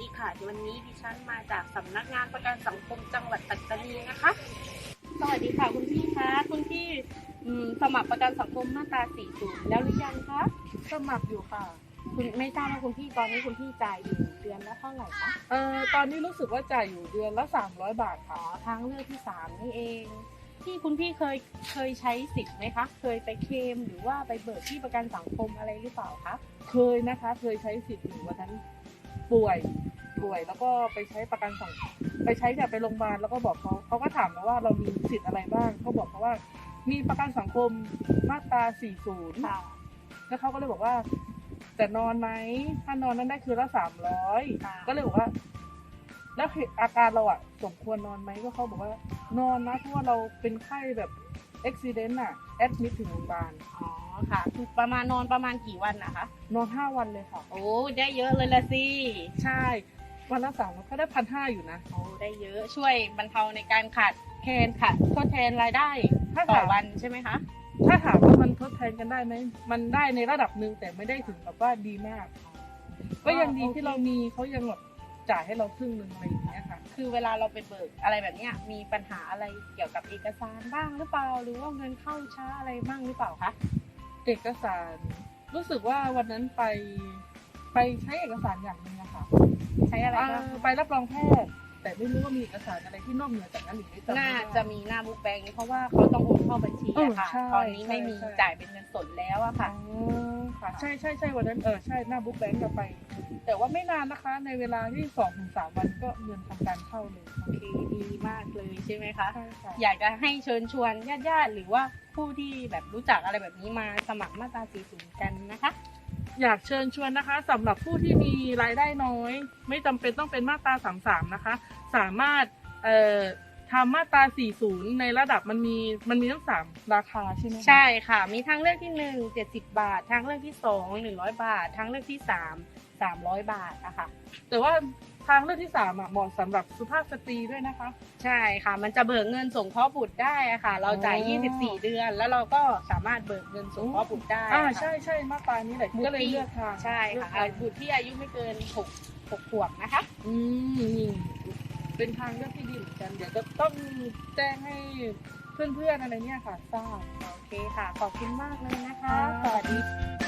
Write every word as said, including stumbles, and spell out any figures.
ดีค่ะวันนี้ดิฉันมาจากสำนักงานประกันสังคมจังหวัดปัตตานีนะคะสวัสดีค่ะคุณพี่คะคุณพี่สมัครประกันสังคมมาตราสี่สิบแล้วหรือยังคะสมัครอยู่ค่ะคุณไม่ทราบว่าคุณพี่ตอนนี้คุณพี่จ่ายอยู่เดือนละเท่าไหร่คะเอ่อตอนนี้รู้สึกว่าจ่ายอยู่เดือนละสามร้อยบาทค่ะทางเลือกที่สามนี่เองที่คุณพี่เคยเคยใช้สิทธิ์ไหมคะเคยไปเคลมหรือว่าไปเบิกที่ประกันสังคมอะไรหรือเปล่าคะเคยนะคะเคยใช้สิทธิ์อยู่วันนั้นป่วยป่วยแล้วก็ไปใช้ประกันสังคมไปใช้เนี่ยไปโรงพยาบาลแล้วก็บอกเขาเขาก็ถามเราว่าเรามีสิทธิ์อะไรบ้างเขาบอกเขาว่ามีประกันสังคมมาตราสี่สิบค่ะแล้วเขาก็เลยบอกว่าจะนอนไหมถ้านอนนั้นได้คือละสามร้อยก็เลยบอกว่าแล้วอาการเราอะสมควรนอนไหมก็เขาบอกว่านอนนะเพราะว่าเราเป็นไข้แบบอุบัติเหตุอะแอดมิทถึงโรงพยาบาลอ๋อค่ะคือประมาณนอนประมาณกี่วันนะคะนอนห้าวันเลยค่ะโอ้ได้เยอะเลยละสิใช่วันละสามก็ได้พันห้าอยู่นะโอ้ได้เยอะช่วยบรรเทาในการขาดแคลนค่ะทดแทนรายได้ต่อวันใช่ไหมคะถ้าถามว่ามันทดแทนกันได้ไหมมันได้ในระดับหนึ่งแต่ไม่ได้ถึงแบบว่าดีมากก็ยังดีที่เรามีเขายังแบบจ่ายให้เราครึ่งหนึ่งอะไรอย่างเงี้ยค่ะคือเวลาเราไปเบิกอะไรแบบเนี้ยมีปัญหาอะไรเกี่ยวกับเอกสารบ้างหรือเปล่าหรือว่าเงินเข้าช้าอะไรบ้างหรือเปล่าคะเอกสารรู้สึกว่าวันนั้นไปไปใช้เอกสารอย่างหนึ่งอะค่ะใช้อะไรบ้างไปรับรองแพทย์แต่ไม่รู้ว่ามีเอกสารอะไรที่นอกเหนือจากนั้นหรือไม่น่าจะมีหน้าบุ๊กแบงค์เพราะว่าเขาต้องโอนเข้าบัญชีอะค่ะตอนนี้ไม่มีจ่ายเป็นเงินสดแล้วอะค่ะค่ะใช่ใช่ใช่วันนั้นเออใช่หน้าบุ๊กแบงค์เราไปแต่ว่าไม่นานนะคะในเวลาที่สองถึงสามวันก็เงินทำการเข้าเลยโอเคดีมากเลยใช่ไหมคะใช่ค่ะอยากจะให้เชิญชวนญาติๆหรือว่าผู้ที่แบบรู้จักอะไรแบบนี้มาสมัครมาตราสี่สิบกันนะคะอยากเชิญชวนนะคะสำหรับผู้ที่มีรายได้น้อยไม่จำเป็นต้องเป็นมาตราสามสิบสามนะคะสามารถเอ่อทำมาตราสี่สิบในระดับมันมีมันมีทั้งสามราคาใช่ไหมใช่ค่ะมีทางเลือกที่หนึ่งเจ็ดสิบบาททางเลือกที่สองหนึ่งร้อยบาททางเลือกที่สามสามร้อยบาทนะคะแต่ว่าทางเลือกที่สามอ่ะเหมาะสำหรับสุภาพสตรีด้วยนะคะใช่ค่ะมันจะเบิกเงินสงเคราะห์บุตรได้อะค่ะเราจ่ายยี่สิบสี่เดือนแล้วเราก็สามารถเบิกเงินสงเคราะห์บุตรได้อ่าใช่ใช่มาตรานี้แหละก็เลยเลือกทางใช่ค่ะบุตรที่อายุไม่เกินหกหกขวบนะคะอืมเป็นทางเลือกที่ดีเหมือนกันเดี๋ยวจะต้องแจ้งให้เพื่อนๆอะไรเนี่ยค่ะทราบโอเคค่ะขอบคุณมากเลยนะคะสวัสดี